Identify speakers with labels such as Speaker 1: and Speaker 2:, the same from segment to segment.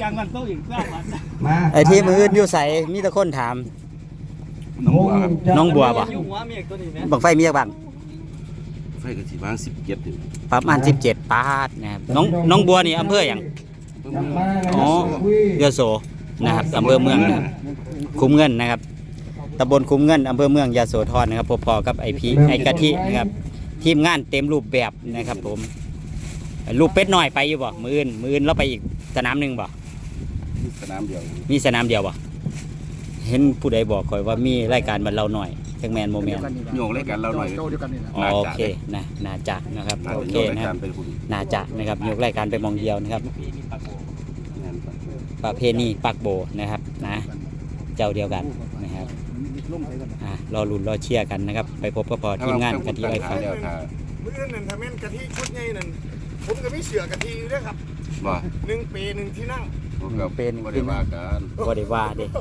Speaker 1: างกันโต๊ะอีก3 วัน
Speaker 2: ไอ้ที่มืออื่นอยู่ใส่มีแต่คนถามน้องบัวป่ะบังไฟมีบ้าง
Speaker 3: ไฟกระสีบาง17อยู่
Speaker 2: ประมาณ17 ปาดนะครับน้องบัวนี่อำเภออย่างอ๋อยโสนะครับอำเภอเมืองนะครับคุ้มเงินนะครับตำบลคุ้มเงินอำเภอเมืองยโสธรนะครับพอๆกับไอ้กะทินะครับทีมงานเต็มรูปแบบนะครับผมรูปเป็ดน้อยไปอยู่บ่มืออื่นเราไปอีกสนามหนึ่งบ่
Speaker 3: มีสนามเดียว
Speaker 2: บ่เห็นผู้ใดบอกคอยว่ามีรายการบันเราหน่อยจังแมนโมเมนต์
Speaker 3: โยงรายการเราหน่อย
Speaker 2: โอเคนะน่าจะนะครับโอเคนะครับน่าจะนะครับยกรายการไปมองเดียวนะครับประเพณีปักโบนะครับนะเจ้าเดียวกันนะครับรอลุ้นรอเชียร์กันนะครับไปพบพอทีมงานกะทิไอฟ้า
Speaker 4: มื้อนั่นถ้าแม่นกะทิชุดใหญ่นั่นผมก็มีเสือกะทิอยู่ด้วยครับ
Speaker 3: บ่
Speaker 4: 1 ปี1ที่นั่ง
Speaker 3: เป็นบ่ได้ว่ากัน
Speaker 2: บ่ได้ว่าเด้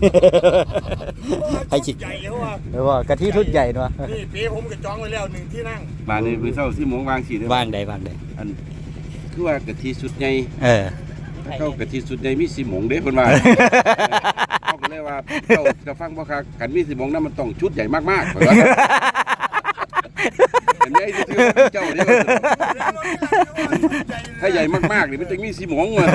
Speaker 4: ไอ้จิตใหญ่เขา
Speaker 2: ว่ากะทิชุดใหญ่เนาะ
Speaker 4: นี่ปีผมก็จองไว้แล้ว1ที่นั่ง
Speaker 3: บ้านนี้มื้อเช้า10 โมงวางสิเด้อ
Speaker 2: วางใดอัน
Speaker 3: คือว่ากะทิชุดใหญ่เข้ากะทิชุดใหญ่มี10 โมงเด้เพิ่นว่าเขาก็เลยว่าเจ้าจะฟังบ่คักกันมี10 โมงนั้นมันต้องชุดใหญ่มากๆเพิ่นว่าเห็นไหมที่เจ้าเด้อถ้าใหญ่มากๆนี่มันจะมี10 โมงว่ะ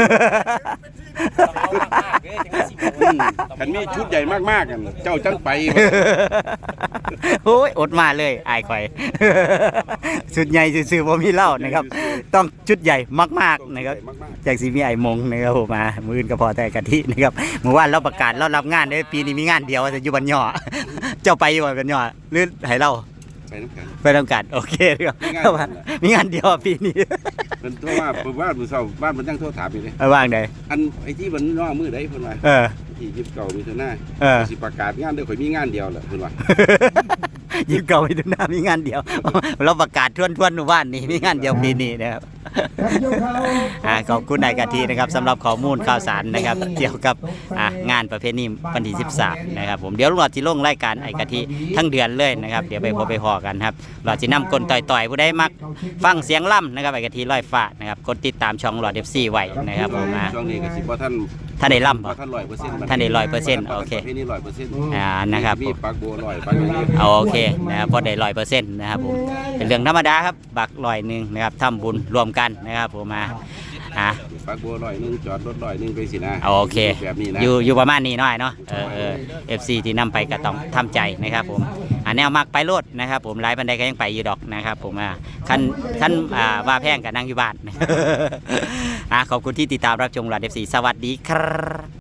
Speaker 3: คันมีชุดใหญ่มากๆกันเจ้าจังไป
Speaker 2: โอ้ยอดมาเลยอายข่อยชุดใหญ่ซื่อๆบ่มีเล่านะครับต้องชุดใหญ่มากๆนะครับจากสิมีไอ้มงนะครับผมมามื้อก็พอแต่กะทินะครับเมื่อวานเราประกาศเรารับงานได้ปีนี้มีงานเดียวจะอยู่บ้านย่อเจ้าไปอยู่บ้านย่อหรือให้เราไปทำการโอเคครับมีงานเดียวปีนี้
Speaker 3: เป็นโทรว่ามื้อเช้าบ้านมันยังโทรถามอยู่เลย
Speaker 2: ว่างใด
Speaker 3: อันไอ้ที่มันน้อมื้อใดเพิ่นว่าที่29มิถุนายนสิประกาศงานเด้อข่อยมีงานเดียวแหละเพิ่นว่า
Speaker 2: 29มิถุนายนมีงานเดียวเราประกาศทวนๆหมู่บ้านนี่มีงานเดียวปีนี้นะครับขอบคุณนายกะทินะครับสำหรับข้อมูลข่าวสารนะครับเกี่ยวกับงานประเพณีวันที่13นะครับผมเดี๋ยวเราจะลงรายการไอ้กะทิทั้งเดือนเลยนะครับเดี๋ยวไปพอกันครับเราจะนำกลต่อยๆผู้ใดมักฟังเสียงล่ำนะครับไอ้กะทิลอยฟ้านะครับกดติดตามช่องหลอด FC ไว้นะครับผม
Speaker 3: ช่วงนี้ก็สิบ่ท่าน
Speaker 2: ได้ล่ำ
Speaker 3: ท่าน100%
Speaker 2: ท่านได้100%โอเค
Speaker 3: นี่100%
Speaker 2: นะครับ
Speaker 3: มีปักบัว100ปักอย่างนี้
Speaker 2: โอเคนะครับพอได้100%นะครับผมเป็นเรื่องธรรมดาครับบัก100นะครับทำบุญรวมกันนะครับผม
Speaker 3: ปักบัว100จอดรถ100ไปสินะ
Speaker 2: โอเค
Speaker 3: แบบนี้นะ
Speaker 2: อยู่ประมาณนี้น้อยเนาะFC ที่นำไปก็ต้องทำใจนะครับผมแนวมักไปโลดนะครับผมไลฟ์บันไดก็ยังไปอยู่ดอกนะครับผมขั้นว่าแพงกับนั่งอยู่บ้านขอบคุณที่ติดตามรับชมหลอด FC สวัสดีครับ